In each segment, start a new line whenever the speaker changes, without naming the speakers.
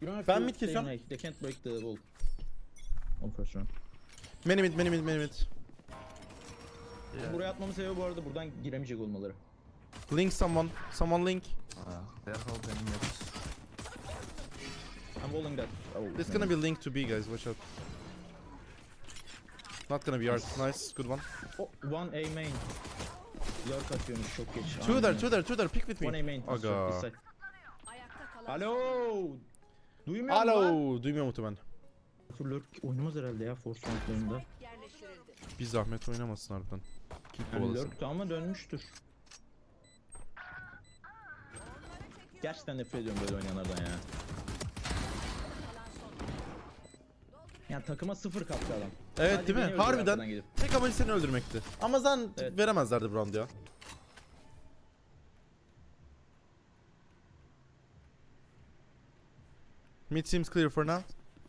Ben mid kesiyorum.
They can't break the wall. On first round.
Many mid.
Buraya atmamın sebebi bu arada buradan giremeyecek olmaları.
Link someone. Someone link.
They're holding mid.
I'm walling that. Oh,
This gonna be link to B guys. Watch out. Not gonna be hard. Nice. Good one.
Oh, one A main. Lurk atıyormuş çok geç.
Two there. Pick with
One A
me.
main.
Aga.
Ayakta kalan. Alo. Duymuyor musun lan?
Alo. Duymuyor muhtemelen.
Lurk oynamaz herhalde ya Force roundlarında.
Bir zahmet oynamasın harbiden. Kick
Yani
kovalasın.
Lurk da ama dönmüştür. Gerçekten nefret ediyorum böyle oynayanlardan ya. Yani takıma 0 kattı adam.
Evet
Sadece
değil mi?
beni öldürüyor arkadan
Harbiden.
gelip.
Tek amacı seni öldürmekti. Ama zaten
Evet.
veremezlerdi bu round ya. Mid seems clear for now.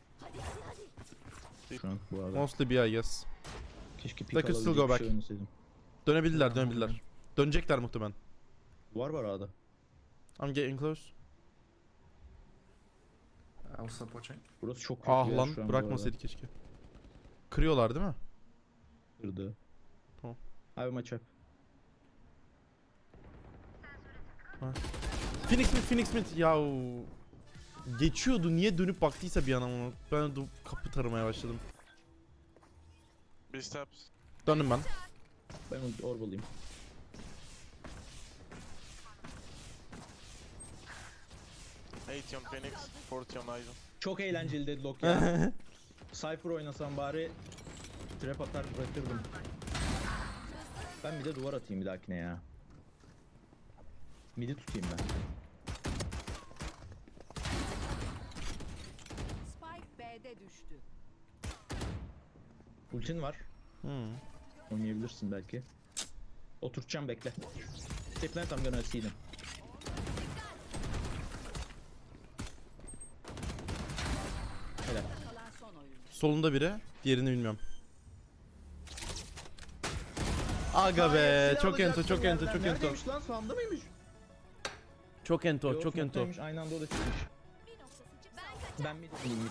Şu an bu arada.
Mostly B, I guess.
Keşke
They
pik
could still
alabilecek
go
bir
back.
şey oynasaydım.
Dönebilirler. Dönecekler muhtemelen.
Var A'da.
I'm getting close.
Also watching.
Burası çok kötü
Ah
ya
lan
şu an bu
bırakmasaydı keşke. Kırıyorlar değil mi?
arada. Kırdı.
Tamam.
Abi maç yap.
Phoenix mid. Yahu. Geçiyordu niye dönüp baktıysa bir an ona. Ben de kapı taramaya başladım.
B steps.
Döndüm ben.
Ben orbalıyım.
Eight on Phoenix, 40 on Aizen.
Çok eğlenceli deadlock ya. Cypher oynasam bari trap atar bırakırdım. Ben bir de duvar atayım bir dahakine ya. Midi tutayım ben.
Spike B'de düştü.
Ultin var.
Hmm.
Oynayabilirsin belki. Oturtacağım bekle. Stay plant I'm gonna see them. Helal.
Kalan son oyun.
Solunda biri. Diğerini bilmiyorum. Aga be. Çok ento.
Neredeymiş lan? Sağımda mıymış?
Çok ento.
Yok, smoke'taymış. Aynı anda o da çıkmış. Ben mid mid.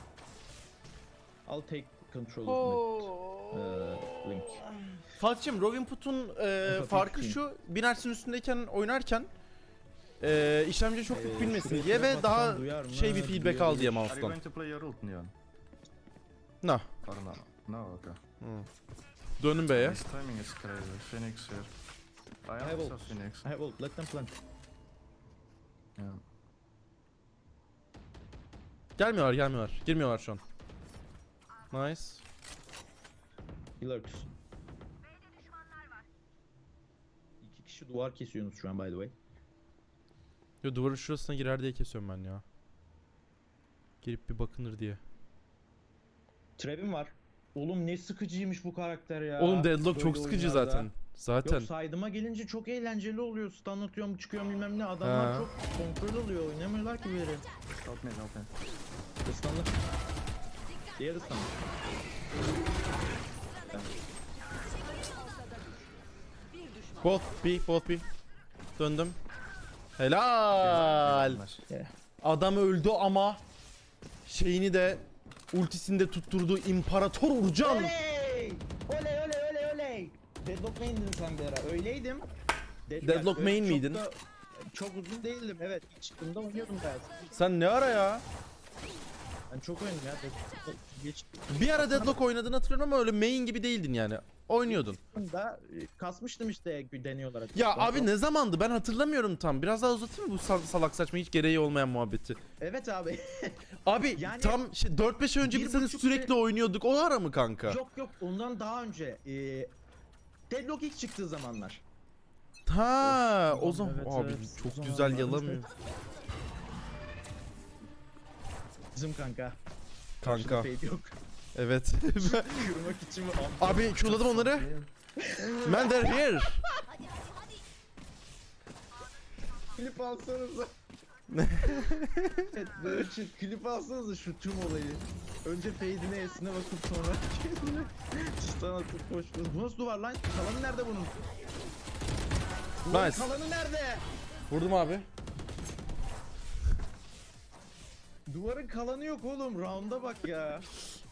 I'll take control of mid. Link.
Fatih'cim Raw Input'un farkı şu. Binersin üstündeyken oynarken işlemci çok yük bilmesin
şuraya
diye ve
trap
daha
atsam duyar mı?
şey bir feedback al diye
Are you
mouse'dan.
going to play your ult, Neon?
No.
Or no? No, okay.
Döndüm B'ye.
This timing is crazy. Phoenix here. I
have
also
ult.
Phoenix.
I have ult. Let them plant.
Yeah.
Gelmiyorlar. Girmiyorlar şu an. Nice.
He lurks. İki kişi duvar kesiyorsunuz şu an by the way.
Yo duvarın şurasına girer diye kesiyorum ben ya. Girip bir bakınır diye.
Trap'im var. Oğlum ne sıkıcıymış bu karakter ya.
Oğlum Deadlock çok
Böyle
sıkıcı
oyunlarda.
zaten. Zaten.
Yok side'ıma gelince çok eğlenceli oluyor. Stun atıyorum çıkıyorum bilmem ne. Adamlar
Ha.
çok kontrol alıyor. Oynamıyorlar ki biri.
Help me.
Stunlı. Diğeri stunlı.
Both B. Döndüm. Helal.
Nice.
Adam öldü ama şeyini de ultisini de tutturdu İmparator Urcan.
Oley! Oley! Deadlock main'din sen bir ara. Öyleydim.
Deadlock
Öyle
main
çok
miydin?
da- Çok uzun değildim evet. İlk çıktığımda oynuyordum ben.
Sen ne ara ya?
Ben çok oynadım ya. Deadlock geç
Bir ara Deadlock oynadığını hatırlıyorum ama öyle main gibi değildin yani. Oynuyordun.
da kasmıştım işte deniyorlar.
Ya abi ne zamandı ben hatırlamıyorum tam. Biraz daha uzatayım mı bu salak saçma hiç gereği olmayan muhabbeti?
Evet abi.
Abi
Yani
tam 4-5 önce
bir
biz seni
buçuk
sürekli oynuyorduk. O ara mı kanka?
yok ondan daha önce. Deadlock ilk çıktığı zamanlar.
Ha,
Of,
o zaman
evet,
abi
evet.
çok
O
güzel
zamanlar
yalamıyor.
Bizim kanka.
Kanka.
Fade yok.
Evet.
Yürümek için mi?
Abi çuladım onları. Man they're here.
Klip alsanıza. Evet, böyle için klip alsanıza şu tüm olayı. Önce fade'ine esine bakıp sonra kendine stun atıp koşuyoruz. Bu nasıl duvar lan? Kalanı nerede bunun? Duvarın
Nice.
kalanı nerede?
Vurdum abi.
Duvarın kalanı yok oğlum. Round'a bak ya.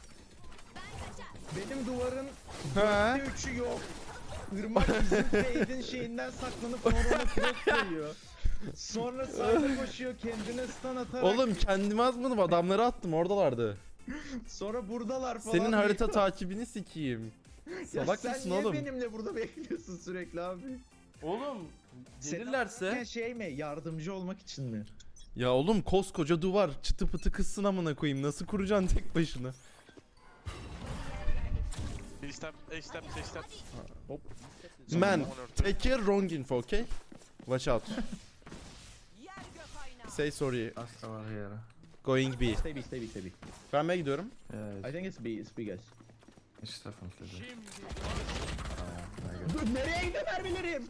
Benim duvarın
He.
3'ü yok. Irmak bizim fade'in şeyinden saklanıp sonra ona flash koyuyor. Sonra sağda koşuyor kendine stun atarak.
Oğlum kendime atmadım, adamları attım, oradalardı.
Sonra buradalar falan.
Senin
diyor.
harita takibini sikeyim.
Ya
Salak
sen
mısın
niye
oğlum?
benimle burada bekliyorsun sürekli abi?
Oğlum
Sen
gelirlerse.
şey mi? Yardımcı olmak için mi?
Ya oğlum koskoca duvar, çıtı pıtı kızsın amına koyayım, nasıl kuracaksın tek başına?
A step, A step, A step.
Hop.
Man,
One or two.
take care, wrong info, okay? Watch out.
Yer gök aynağı.
Say sorry,
Last tower here.
going B.
Stay B, stay B, stay B.
Ben B'ye gidiyorum.
Yeah,
I think it's B, it's B guys.
it's definitely there.
Dur nereye gidiyor mermilerim?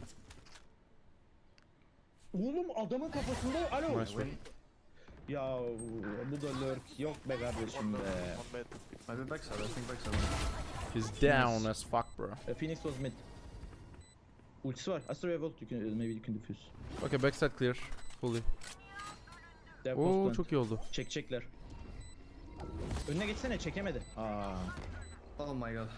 Oğlum adamın kafasında alo.
Nice one.
Ya bu da lurk yok be kardeşim be.
On bed.
Maybe backside, I think backside.
He's down as fuck bro.
Phoenix was mid. Ultisi var. Astra Revolt, you can, maybe you can defuse.
Okay, backside clear. Fully.
Dev
Oo
post
çok iyi oldu.
Çekecekler. Önüne geçsene, çekemedi. Aa.
Oh my god.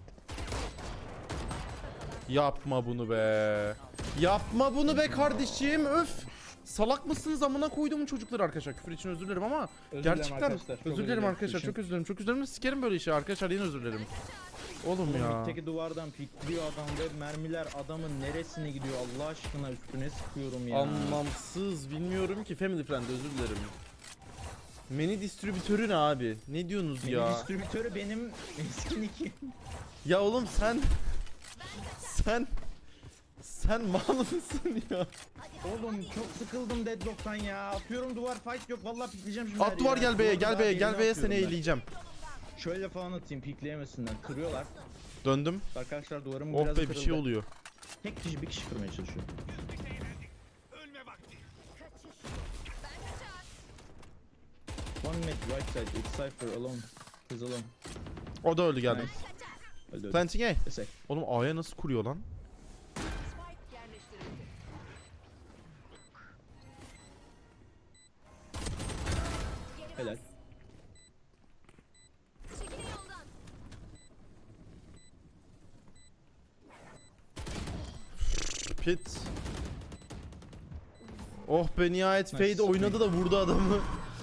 Yapma bunu be. Yapma bunu be kardeşim, öf. Salak mısınız amına koyduğumun çocukları arkadaşlar. Küfür için özür dilerim ama
Özür dilerim
gerçekten
arkadaşlar, çok
özür dilerim arkadaşlar.
için.
Çok özür dilerim. Çok özür dilerim. Sikerim böyle işi arkadaşlar. Yine özür dilerim. Oğlum ya.
Mitteki duvardan pikliyor adam ve mermiler adamın neresine gidiyor Allah aşkına, üstüne sıkıyorum ya.
Anlamsız. Bilmiyorum ki, family friend, özür dilerim. Mini distribütörü ne abi? Ne diyorsunuz
Benim
ya?
distribütörü benim eski nickim.
Ya oğlum sen mal mısın ya?
Oğlum çok sıkıldım Deadlock'tan ya. Atıyorum duvar, fight yok. Vallahi pikleyeceğim şimdi.
At
her
duvar,
yere.
gel B'ye,
Duvar
gel
daha
B'ye,
birini
gel B'ye, seni
atıyorum ben.
eğleyeceğim.
Şöyle falan atayım, pikleyemesinler. Kırıyorlar.
Döndüm.
Arkadaşlar duvarım
Oh
biraz
be, bir şey
kırıldı.
oluyor.
Tek kişi bir kişi kırmaya çalışıyor. One mid right side. It's Cypher alone. He's alone.
O da öldü, geldim.
Nice. Öldü öldü.
Planting A.
Desek.
Oğlum A'ya nasıl kuruyor lan?
Spike yerleştirildi.
Helal.
Çekilin yoldan.
Pit. Oh be, nihayet
Nice.
Fade oynadı da vurdu adamı.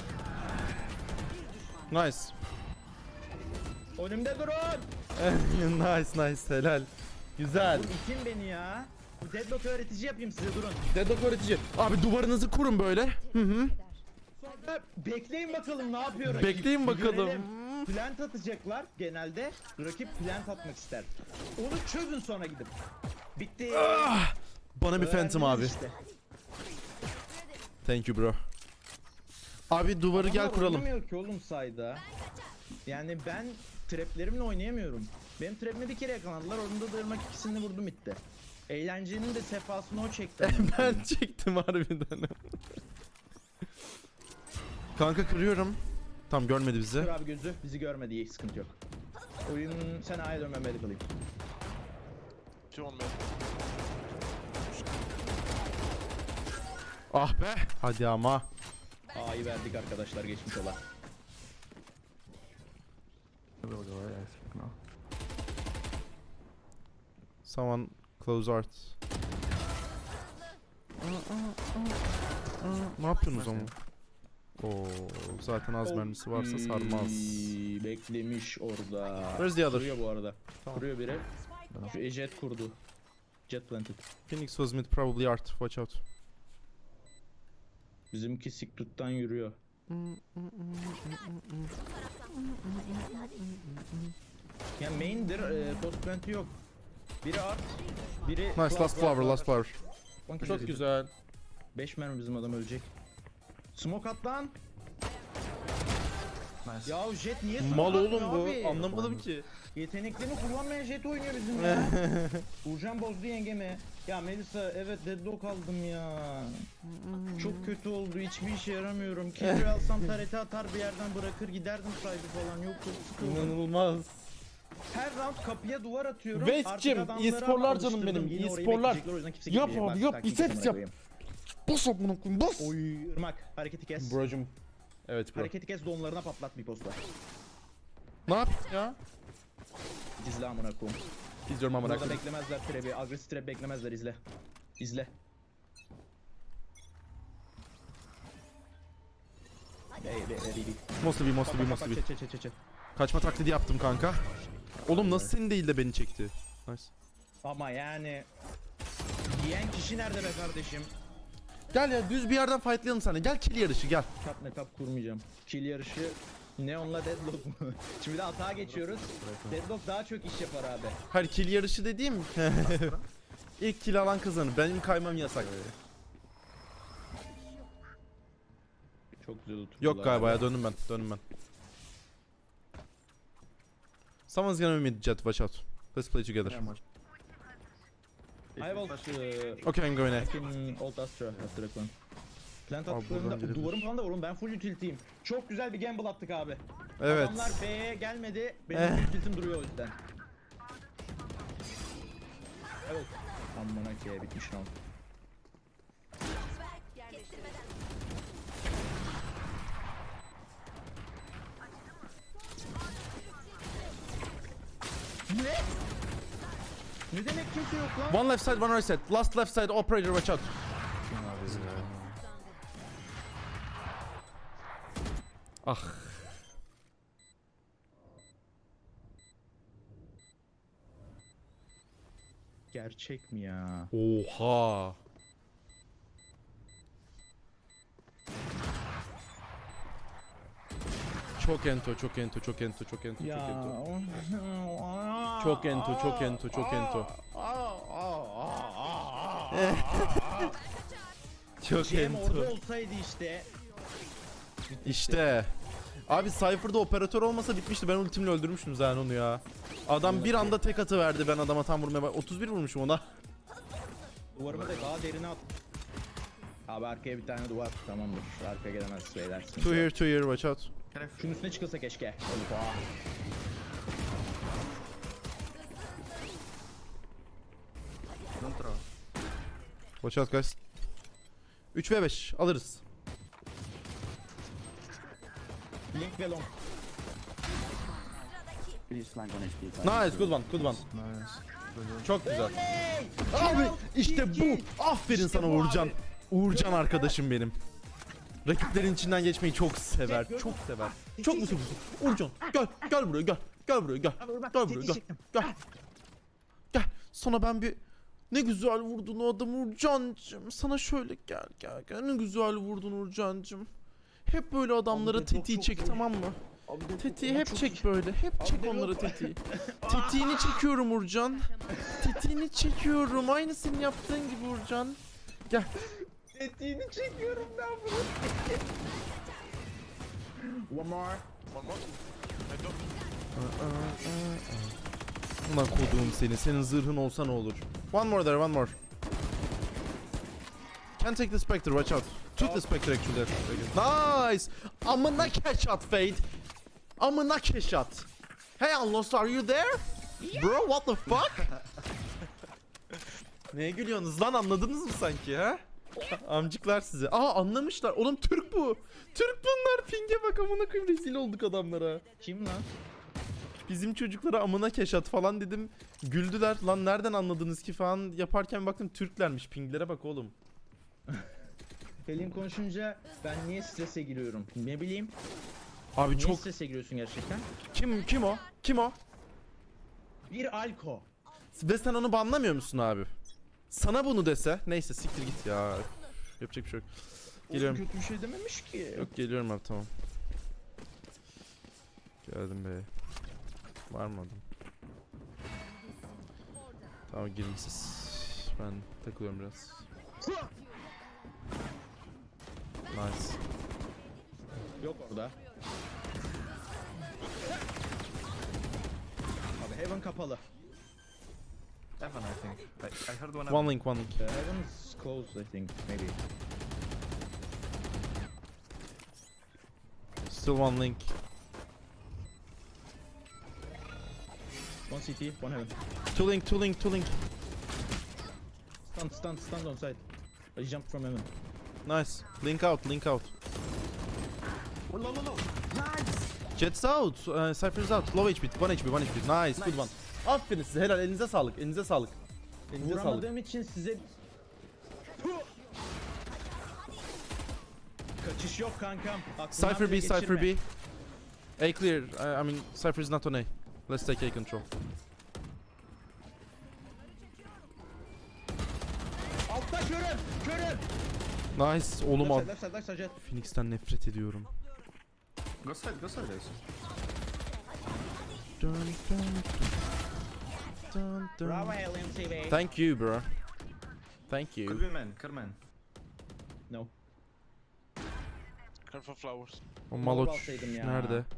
Nice.
Önümde durun.
Nice helal. Güzel.
Oğlum itin beni ya. Bu Deadlock öğretici yapayım size, durun.
Deadlock öğretici. Abi duvarınızı kurun böyle. Hı hı.
Sonra bekleyin bakalım ne yapıyor rakip.
Bekleyin
Bir
bakalım.
görelim. Plant atacaklar genelde. Rakip plant atmak ister. Onu çözün sonra gidip. Bitti.
Bana bir Phantom abi.
Öğrendiniz işte.
Thank you bro. Abi duvarı gel
Adamlar
kuralım.
oynamıyor ki oğlum sayda. Yani ben traplerimle oynayamıyorum. Benim trapime bir kere yakaladılar. Orada da ırmak ikisini vurdum bitti. Eğlencenin de sefasını o çekti.
Ben çektim harbiden. Kanka kırıyorum. Tam görmedi bizi.
Kır abi gözü. Bizi görmedi. İyi, sıkıntı yok. Oyun sen A'ya dön, ben B'de kalayım.
Two on mid.
Ah be. Hadi ama.
A'yı verdik arkadaşlar, geçmiş ola.
We'll go away, I think now.
Someone close art. Ne yapıyorsunuz ama? Oo, zaten az mermisi varsa sarmaz.
Beklemiş orada.
Where's the other?
Kuruyor bu arada.
Tamam.
Kuruyor biri.
Spike
Şu jet kurdu. Jet planted.
Phoenix was mid, probably art. Watch out.
Bizimki Secret'tan yürüyor. Ya main'dir, post plant'i yok. Biri art, biri...
Nice, last flower, last flower. Çok güzel.
5 mermi bizim adam ölecek. Smoke at lan.
Nice.
Ya jet niye smoke
Mal
atmıyor
oğlum bu.
abi?
Anlamadım ki.
Yeteneklerini kullanmayan jet oynuyor bizim ya. Uğurcan bozdu yengemi. Ya Melisa, evet deadlock aldım ya. Çok kötü oldu, hiçbir işe yaramıyorum. Kibri alsam tarete atar bir yerden bırakır giderdim sahibi falan. Yok çok sıkıldım.
İnanılmaz.
Her round kapıya duvar atıyorum.
West'cim,
Artık adamları
e-sporlar canım
alıştırdım.
benim,
Yine orayı
e-sporlar.
bekleyecekler, o yüzden kimse
Yap
gitmeyecek.
abi,
Bak,
yap,
taktik
biceps
amına
yap.
koyayım.
Bas amına koyayım, bas.
Oy Irmak hareketi kes.
Brocum. Evet bro.
Hareketi kes, donlarına patlat bir posta.
Ne yapayım ya?
İzle amına koyayım.
İzliyorum amına
Burada
koyayım.
beklemezler trap'i. Agresif trap beklemezler, izle. İzle. Baby.
Must be.
Çe.
Kaçma taklidi yaptım kanka. Oğlum nasıl seni değil de beni çekti? Nice.
Ama yani... Diyen kişi nerede be kardeşim?
Gel ya düz bir yerden fightlayalım sana. Gel kill yarışı gel.
Tap metap kurmayacağım. Kill yarışı Neon'la Deadlock mu? Şimdi de atağa geçiyoruz. Deadlock daha çok iş yapar abi.
Hayır kill yarışı dediğim ilk kill alan kazanır. Benim kaymam yasak.
Çok güzel oturdular.
Yok galiba ya döndüm ben. Someone's gonna mid jet, watch out. Let's play together.
Yeah, much.
I will
Okay, I'm going A.
fucking old Astra after a clan. Plant
Abi buradan
attıklarında
girebilir.
duvarım falan da var oğlum, ben full utilitiyim. Çok güzel bir gamble attık abi.
Evet.
Adamlar B'ye gelmedi, benim utilitim duruyor o yüzden. Evet. Amına ki bitmiş lan.
Spike yerleştirildi.
Ne? Ne demek kimse yok lan?
One left side, one right side. Last left side, operator, watch out. Ah.
Gerçek mi ya?
Oha. Çok ento.
Ya.
Çok ento. Çok
Cem orada
ento.
olsaydı işte.
İşte. Abi Cypher'da operatör olmasa bitmişti. Ben ultimle öldürmüştüm zaten onu ya. Adam bir anda tek atı verdi, ben adama tam vurmaya 31 vurmuşum ona.
Duvarımı da daha derine at. Abi arkaya bir tane duvar, tamamdır. Arkaya gelemez beyler.
Two here, watch out.
Şunun üstüne çıkılsa keşke.
Don't throw.
Watch out guys. 3 ve 5 alırız.
Link ve long.
Nice, good one.
Nice.
Çok güzel. Abi işte bu. Aferin sana
bu
Uğurcan.
abi.
Uğurcan arkadaşım benim. Rakiplerin içinden geçmeyi çok sever,
Gördün
çok
mü?
sever. Çok mu seviyorsun? Uğurcan gel buraya gel. Gel buraya gel. Gel buraya gel. Gel. Gel. Sana ben bir ne güzel vurdun o adam Uğurcancığım. Sana şöyle gel. Ne güzel vurdun Uğurcancığım. Hep böyle adamlara
Abi,
tetiği
çok
çek,
iyi.
tamam mı? Tetiği hep çek böyle. Hep çek
Abi,
onlara
yok.
tetiği. Tetiğini çekiyorum Uğurcan. Tetiğini çekiyorum. Aynı senin yaptığın gibi Uğurcan. Gel.
Etiğini çekiyorum ben bunu. One more.
One more. I don't.
Ulan koduğum seni. Senin zırhın olsa ne olur. One more there, one more. Can take the Spectre, watch out. Took the Spectre actually. Nice. Amına shot Fade. Amına shot. Hey Unlost, are you there? Bro, what the fuck? Neye gülüyorsunuz lan, anladınız mı sanki ha? Amcıklar size. Aa anlamışlar. Oğlum Türk bu. Türk bunlar. Ping'e bak, amına koyayım, rezil olduk adamlara.
Kim lan?
Bizim çocuklara amına keşat falan dedim. Güldüler. Lan nereden anladınız ki falan yaparken baktım Türklermiş. Pinglere bak oğlum.
Pelin konuşunca ben niye strese giriyorum? Ne bileyim.
Abi
Niye
çok
strese giriyorsun gerçekten?
kim o? Kim o?
Bir alko.
Ve sen onu banlamıyor musun abi? Sana bunu dese. Neyse siktir git ya. Yapacak bir şey yok. Geliyorum.
Kötü bir şey dememiş ki.
Yok geliyorum abi, tamam. Geldim be. Var mı adam? Tamam girin siz. Ben takılıyorum biraz. Nice.
Yok orada. Abi Heaven kapalı.
Evan, I think. I heard one.
One link.
Heaven's closed, I think, maybe.
Still one link.
One CT, one Heaven.
Two link.
Stand on side. I jumped from Heaven.
Nice. Link out.
Low. Nice.
Jet's out. Cypher's out. Low HP. 1 HP. 1 HP. Nice. Good one. Aferin size. Helal. Elinize sağlık. Elinize sağlık. Elinize sağlık.
Vuramadığım için size... Kaçış yok kankam. Aklımdan
Cypher
bile
B. Cypher
geçirme.
B. A clear. I mean, Cypher is not on A. Let's take A control.
Altta körüm.
Nice. Oğlum al.
Left side.
Phoenix'ten nefret ediyorum.
Go side, Ace.
Dun, dun, dun, dun.
Bravo LMTV.
Thank you, bro. Thank
Could
you.
be man, could man.
No.
Careful flowers.
O Maloç
alsaydım ya.
nerede?
I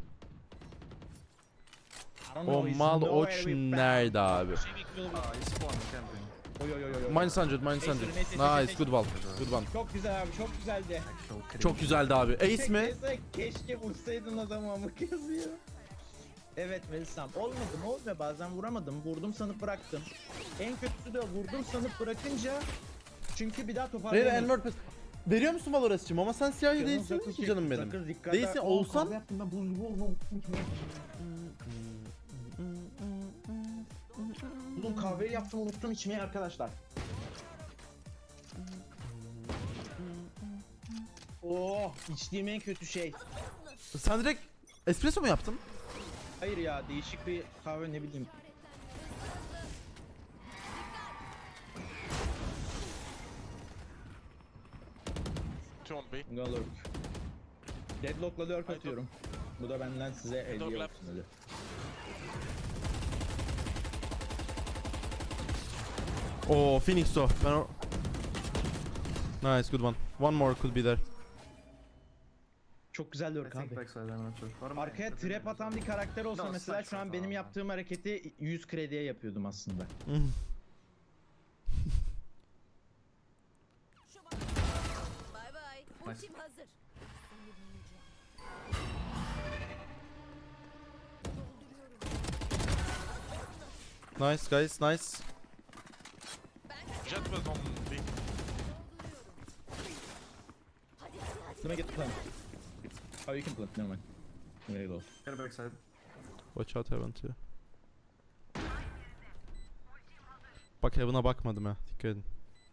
don't
O
know, he's
Maloç
nowhere to be found.
nerede abi?
He's spawned camping.
Oy.
Minus 100, minus 100. Nice, good one. Good one.
Çok güzel abi, çok güzeldi.
Çok güzeldi abi. Ace mi?
Neyse, keşke vursaydın adamı amık yazıyor. Evet Melisam, olmuyor bazen vuramadım, vurdum sanıp bıraktım. En kötüsü de vurdum sanıp bırakınca, çünkü bir daha
Reyna
toparlayamadım.
Elmer Pass. Veriyor musun Valorant'cığım ama sen siyahi
Canım
değilsin
sakın
ki canım benim.
sakın dikkat
Değilsin,
et.
olsan-
Kahve yaptım ben, buz gibi oldu. Oğlum kahveyi yaptım, unuttum içmeyi arkadaşlar. Oh, içtiğim en kötü şey.
Sen direkt espresso mu yaptın?
Hayır ya, değişik bir kahve, ne bileyim.
Two on B.
Galurk. Deadlock'la lurk atıyorum. Bu da benden size hediye
Deadlock
olsun
left.
hadi.
Oo Phoenix o. Ben o... Nice, good one. One more could be there.
Çok güzel
I
lurk
think
abi.
backside, I'm not sure. Or
Arkaya
could be
trap
man.
atan bir karakter olsa
No,
mesela
side,
şu an
side,
benim
no.
yaptığım hareketi 100 krediye yapıyordum aslında.
Hmm.
Bay bay.
Nice.
Ultim hazır.
Nice guys, nice.
Jet was on B.
Let me get the plant. Oh, you can plant, never mind. Very low.
Get backside.
Watch out Heaven too. Bak Heaven'a bakmadım ha. Dikkat edin.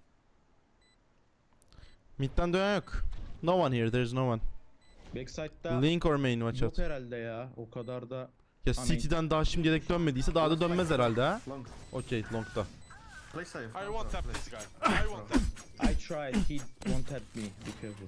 Mid'den dönen yok. No one here, there's no one.
Backside'da
Link or main, watch
yok
out.
herhalde ya. O kadar da...
Ya
Amen.
City'den daha şimdiye dek dönmediyse daha da dönmez herhalde ha.
Long.
Okey, long'da.
Play safe.
I won't tap this guy. I won't tap.
I tried, he won't tap me. Be careful.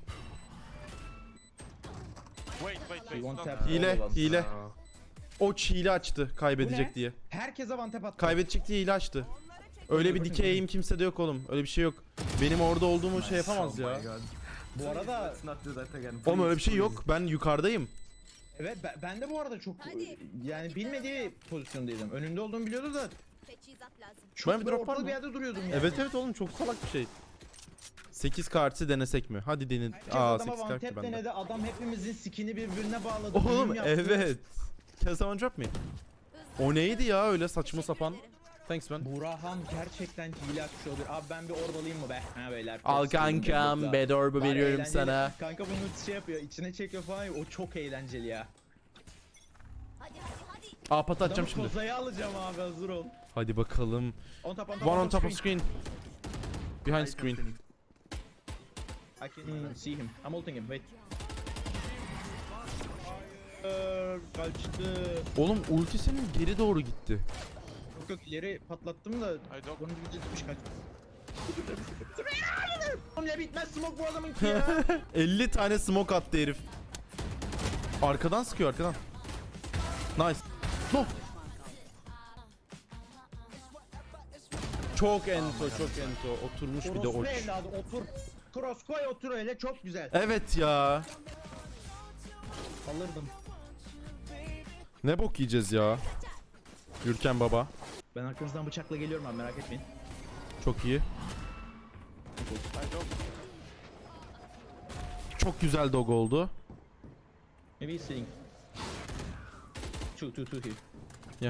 Wait.
won't
No,
tap.
Hile, hile.
Uh,
Oç hile açtı
Bu
kaybedecek
ne?
diye.
Herkese one tap attı.
Kaybedecek diye hile açtı. Öyle bir dikey aim kimsede yok oğlum. Öyle bir şey yok. Benim orada olduğumu şey yapamaz
oh
ya.
my god.
Bu arada...
Let's not do that again.
Oğlum öyle bir şey
please.
yok. Ben yukarıdayım.
Evet ben de bu arada çok
Hadi.
yani bilmediği pozisyondaydım. Önünde olduğumu biliyordu da
Teçhizat lazım.
çok
Ben bir
böyle
drop var
ortalı
mı?
bir yerde duruyordum yani.
Evet oğlum çok salak bir şey. 8 kartı denesek mi? Hadi denin.
Herkes
Aa
adama
8
one
kart ki
tap
bende.
denedi. Adam hepimizin skin'i birbirine bağladı.
Oğlum
düğüm yaptı.
evet. Can someone drop me? O neydi ya öyle saçma sapan?
ederim.
Thanks man.
Burhan gerçekten hile atmış olabilir. Abi ben bir orbalayayım mı be? Ha beyler.
Al
Çok sevdim
kankam
Deadlock'la.
bedorbu
Bari
veriyorum
eğlenceli.
sana.
Kanka bunu şey yapıyor, içine çekiyor falan. O çok eğlenceli ya.
Hadi.
Aa pata
Adamı
atacağım şimdi.
kozaya alacağım abi, hazır ol.
Hadi bakalım.
On top
One on top of screen. Behind screen.
Phoenix.
I can see him. I'm ulting him, wait. Kaçtı.
Oğlum ulti senin geri doğru gitti.
Yok ileri patlattım da
I don't.
onun gibi gitmiş kaç. Oğlum ne bitmez smoke bu adamınki ya.
50 tane smoke attı herif. Arkadan sıkıyor arkadan. Nice. No. Çok ento, çok ento. Oturmuş bir de
Orospu
oç.
evladı otur. Cross koy otur öyle, çok güzel.
Evet ya.
Alırdım.
Ne bok yiyeceğiz ya. Gürken baba.
Ben arkanızdan bıçakla geliyorum abi, merak etmeyin.
Çok iyi.
I don't.
Çok güzel dog oldu.
Maybe he's sitting. Two here.
Yeah.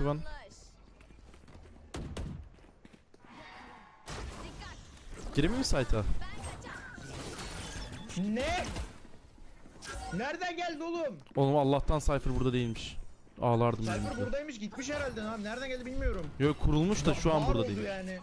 you one.
Yaklaş.
Gireyim mi site'a?
Ne? Nereden geldi oğlum?
Oğlum Allah'tan Cypher burada değilmiş. Ağlardım
Cypher
yüzümüzde.
buradaymış gitmiş herhalde abi. Nereden geldi bilmiyorum.
Yok kurulmuş da şu an
Var
burada
oldu
değil.
yani.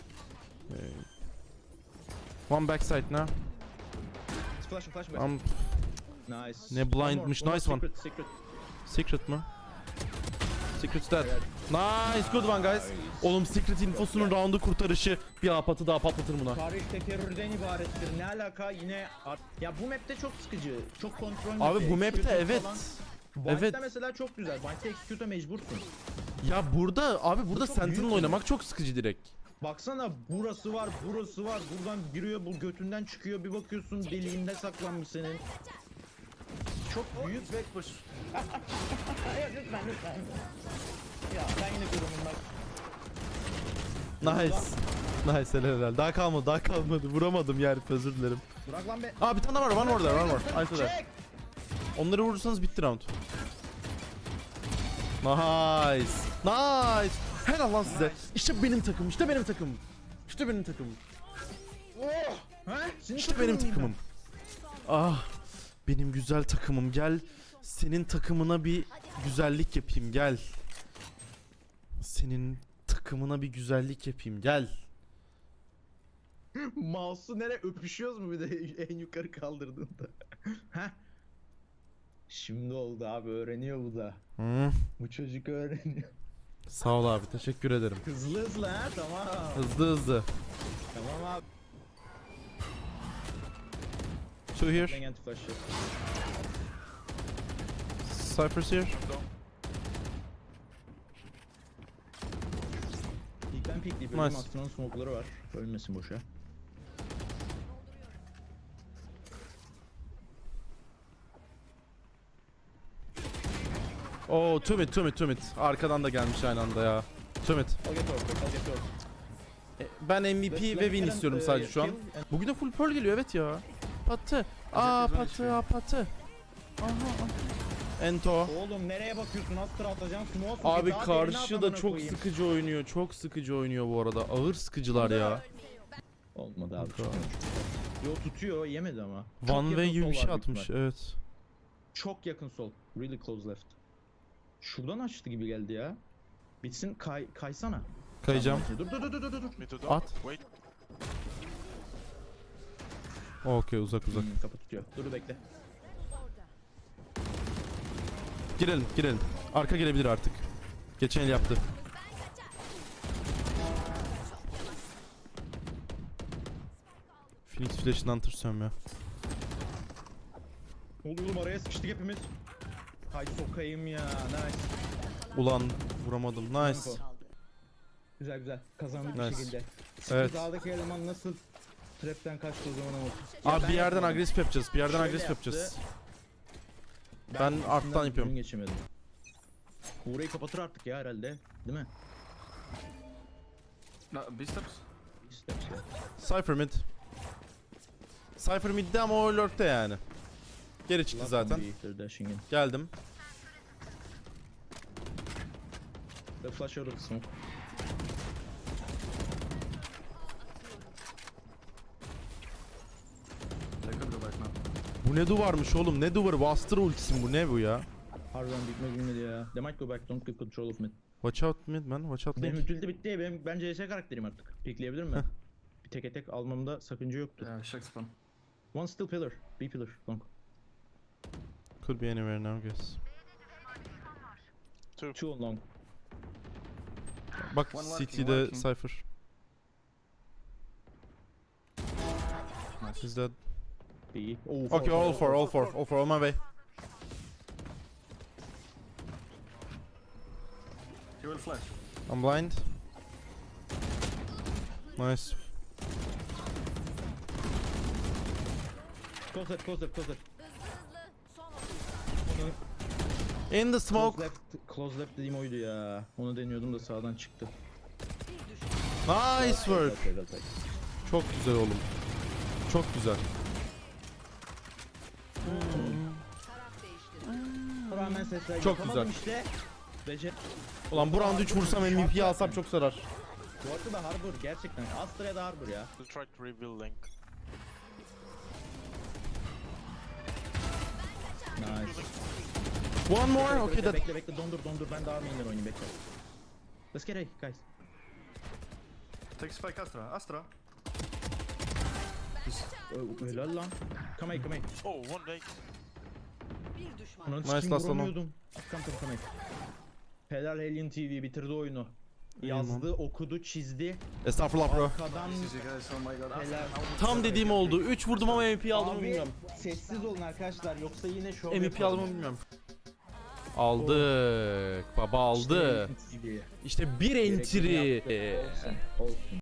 One backside now.
Flash flash. Nice.
Ne blindmiş, nice one.
Secret, secret.
Secret mı? Secret's dead. Nice, good one guys. Oğlum Secret infosunun roundu kurtarışı. Bir apatı daha patlatır buna.
Tarih terörden ibarettir. Ne alaka yine ya bu map'te çok sıkıcı. Çok kontrol
Abi
map'i,
bu map'te
executor
evet.
falan.
Evet.
Bind'de mesela çok güzel. Bind'de execute'a mecbursun.
Ya burada
Bu çok
Sentinel
büyük
oynamak çok sıkıcı direkt.
Baksana burası var, burası var. Buradan giriyor, bu götünden çıkıyor. Bir bakıyorsun deliğinde saklanmış senin. Çok büyük ve
Push.
lütfen lütfen. Ya ben yine durumum
Nice. Nice helal. Daha kalmadı. Vuramadım yani, özür dilerim.
Bırak lan be.
Aa bir tane var, one more there, one more. Aynısı da.
Çek.
Onları vurursanız bitti round. Nice. Nice. Helal lan size. İşte benim takımım, işte benim takımım. İşte benim takımım.
Oh. Ha? Senin
İşte benim
takımın
takımım. Ah. Benim güzel takımım, gel. Senin takımına bir güzellik yapayım, gel. Senin takımına bir güzellik yapayım, gel.
Mouse'u nereye öpüşüyoruz mu bir de en yukarı kaldırdığında? Heh. Şimdi oldu abi, öğreniyor bu da.
Hı.
Bu çocuk öğreniyor.
Sağ ol abi, teşekkür ederim.
Hızlı hızlı ha, tamam.
Hızlı.
Tamam abi.
Two here.
Ben anti flash.
Cypher's here.
İlkten pikleyip
Nice.
ölüm Astro'nun smoke'ları var. Ölmesin boşa.
Oo, two mid. Arkadan da gelmiş aynı anda ya. Two mid.
I'll get over, I'll get over.
Ben MVP ve win istiyorum sadece şu an. Bugün de full pearl geliyor, evet ya. Patı. Patı. Aha. Ento.
Oğlum nereye bakıyorsun? Astra atacaksın. Smoke
Abi
daha
karşı
derine
da
adamına
çok
koyayım.
sıkıcı oynuyor. Çok sıkıcı oynuyor bu arada. Ağır sıkıcılar ya.
Olmadı abi.
Kanka.
Yo tutuyor, yemedi ama. Çok
One
yakın
way gibi bir
sol
şey
var büyük
atmış.
ihtimal.
Evet.
Çok yakın sol. Really close left. Şuradan açtı gibi geldi ya. Bitsin kaysana.
Kayacağım.
Tamam, dur.
Me to do.
At.
Wait.
Okey, uzak.
Kapı tutuyor. Dur bekle.
Girelim. Arka gelebilir artık. Geçen el yaptı. Phoenix flash'ından tırsıyorum ya.
Oğlum araya sıkıştık hepimiz. Hay sokayım ya. Nice.
Ulan vuramadım. Nice.
Güzel. Kazandık
Nice.
bir şekilde.
Evet.
Dağdaki eleman nasıl trapten kaçtı o zaman ama.
Abi
ben
bir yerden
yapmadım.
agresif yapacağız.
Şöyle
yapacağız.
yaptı.
Ben
üstünden
arttan yapıyorum.
düzgün geçemedim. Burayı kapatır artık ya herhalde. Değil mi?
No, B steps.
Steps ya.
Cypher mid. Cypher mid'de ama o lurk'te yani. Geri çıktı zaten.
They're dashing in.
Geldim.
The flash out of the smoke.
They could go back now.
Bu ne duvarmış oğlum? Ne duvarı? Buster ultisi bu, ne bu ya?
Harbiden bitmez bilmedi ya. They might go back, don't get control of mid.
Watch out mid man. Watch out
Benim
link.
utility bitti. Ben CS karakterim artık. Pikleyebilir ben. Bir tek almamda sakınca yoktu.
Yeah, check spawn.
One still pillar. B pillar. Long.
Could be anywhere now guess.
Two on long.
Bak
One lurking,
CT'de
lurking.
Cypher.
Nice.
Is that?
B. Oh,
Okay, all four, on my way.
He will flash.
I'm blind. Nice.
Close left.
Hızlı. Son
In the smoke.
Close left dediğim oydu ya. Onu deniyordum da sağdan çıktı.
Nice work.
Okay.
Çok güzel oğlum. Çok güzel.
taraf değiştirdi.
Rağmen sesler
Çok
yapamadım
güzel.
işte. Becer.
Ulan bu round 3 vursam MVP'yi alsam çok sarar.
Bu arada da Harbor gerçekten. Astra ya da Harbor ya.
We'll try to reveal Link.
Nice.
One more. Okay,
Bekle
that.
bekle dondur ben daha mainler oynayayım bekle. Let's get A guys.
Take spike Astra. Astra.
Helal lan. Come A.
Oh, one day.
Bir düşman.
Ananı
Nice
sikeyim,
last one.
vuramıyordum. Come A. Helal Alien TV bitirdi oyunu. Yazdı, okudu, çizdi.
Estağfurullah bro.
Arkadan
GG guys. Oh my god.
helal.
Tam dediğim oldu. 3 vurdum ama MVP'yi aldım mı
Abi
bilmiyorum.
sessiz olun arkadaşlar yoksa yine şov
MVP aldım mı bilmiyorum. Aldık. Baba aldı.
İşte,
İşte bir entry.
Olsun.